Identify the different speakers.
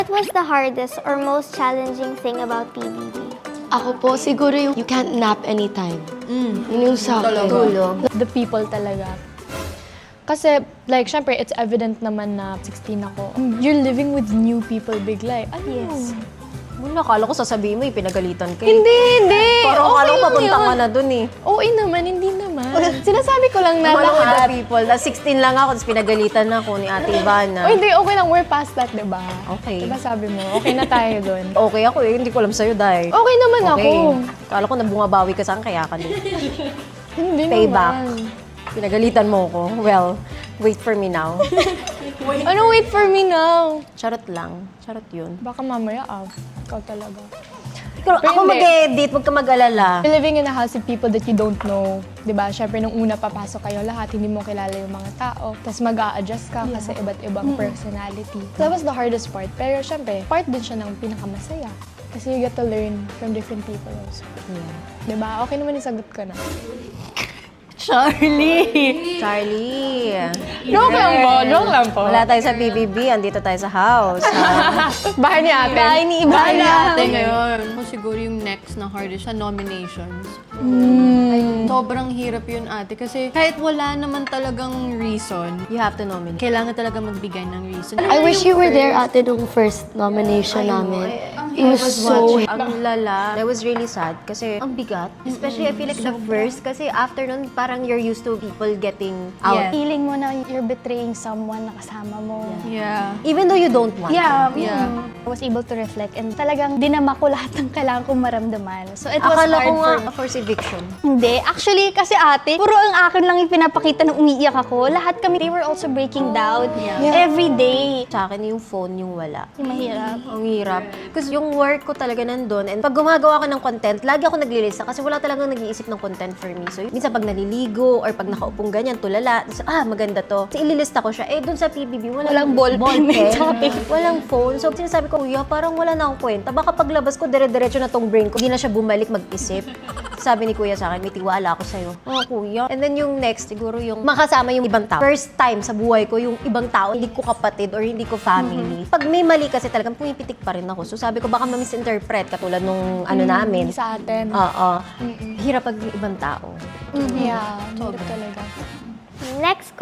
Speaker 1: What was the hardest or most challenging thing about PBB?
Speaker 2: Ako po, siguro yung you can't nap anytime. Yun yung sa akin.
Speaker 1: Tulog.
Speaker 3: The people talaga. Kasi, like, syempre, it's evident naman na 16 ako. You're living with new people bigla eh. Ano?
Speaker 1: Yes.
Speaker 4: Wala, akala ko sasabihin mo, pinagalitan ka.
Speaker 3: Hindi!
Speaker 4: Parang akala ko
Speaker 3: lang
Speaker 4: papunta
Speaker 3: yun.
Speaker 4: ka na dun eh.
Speaker 3: Oo naman, hindi naman. Sinasabi ko lang na
Speaker 4: Akala ko the
Speaker 3: lahat.
Speaker 4: people. Na 16 lang ako, tapos pinagalitan na ako ni Ate Ivana.
Speaker 3: O hindi, okay lang. We're past that, diba?
Speaker 4: Okay.
Speaker 3: Diba sabi mo, okay na tayo dun.
Speaker 4: Okay ako eh, hindi ko alam sa'yo, Day.
Speaker 3: Okay naman ako.
Speaker 4: Akala ko nabungabawi ka saan, kaya ka din.
Speaker 3: Hindi
Speaker 4: Payback.
Speaker 3: naman.
Speaker 4: Pinagalitan mo ko. Well, wait for me now.
Speaker 3: Ano, wait for me now?
Speaker 4: Charot lang. Charot yun.
Speaker 3: Baka mamaya, ikaw talaga.
Speaker 4: Pero ako
Speaker 3: hindi.
Speaker 4: mag-edit, huwag ka mag-alala.
Speaker 3: You're living in a house with people that you don't know. Diba? Siyempre, nung una papasok kayo lahat, hindi mo kilala yung mga tao. Tapos mag-a-adjust ka kasi iba't ibang personality. So that was the hardest part. Pero siyempre, part din siya ng pinakamasaya. Kasi you get to learn from different people also.
Speaker 4: Yeah.
Speaker 3: Diba? Okay naman yung sagot ko na.
Speaker 4: Charlie!
Speaker 3: Joke lang po, joke lang po.
Speaker 4: Wala tayo sa PBB, andito tayo sa house.
Speaker 3: Bahay ni ate.
Speaker 4: Bahay ni Ivana.
Speaker 5: Ate ngayon, ako siguro yung next na hardest sa nominations. Sobrang hirap yun ate kasi kahit wala naman talagang reason,
Speaker 4: You have to nominate.
Speaker 5: kailangan talaga magbigay ng reason.
Speaker 2: I wish you were there, ate, nung first nomination namin. It was so...
Speaker 4: Ang lala. That was really sad kasi ang bigat. Especially I feel like the first kasi after nun parang you're used to people getting out.
Speaker 5: Yeah.
Speaker 1: Feeling mo na you're betraying someone na kasama mo.
Speaker 5: Yeah.
Speaker 4: Even though you don't want
Speaker 1: Yeah,
Speaker 4: to.
Speaker 5: Yeah.
Speaker 1: I was able to reflect and talagang dinama ko lahat ng kailangan kong maramdaman. So it was
Speaker 4: Akala
Speaker 1: hard
Speaker 4: ko nga
Speaker 1: for me.
Speaker 4: forced eviction.
Speaker 1: Hindi. Actually, kasi ate, puro ang akin lang yung pinapakita nung umiiyak ako. Lahat kami, they were also breaking down every day.
Speaker 4: Sa akin yung phone yung wala.
Speaker 1: Yung mahirap.
Speaker 4: Ang hirap. Kasi yung work ko talaga nandun. And pag gumagawa ko ng content, lagi ako naglilista kasi wala talagang nag-iisip ng content for me. So, minsan pag naliligo or pag nakaupong ganyan, tulala, so, maganda to. So, ililista ko siya. Eh, dun sa PBB,
Speaker 1: Walang ballpen.
Speaker 4: Walang phone. So, sinasabi ko, kuya, parang wala na akong kwenta. Baka paglabas ko, dire-diretso na tong brain ko. Hindi na siya bumalik mag-isip. Sabi ni kuya sa akin, may tiwala ako sa'yo. Oo, kuya. And then yung next, siguro yung makasama yung ibang tao. First time sa buhay ko, yung ibang tao, hindi ko kapatid or hindi ko family. Pag may mali kasi talagang pumipitik pa rin ako. So sabi ko, baka ma-misinterpret katulad nung ano namin.
Speaker 3: Sa atin.
Speaker 4: Oo. Hirap pag yung ibang tao.
Speaker 3: Yeah, hirap talaga.
Speaker 1: Next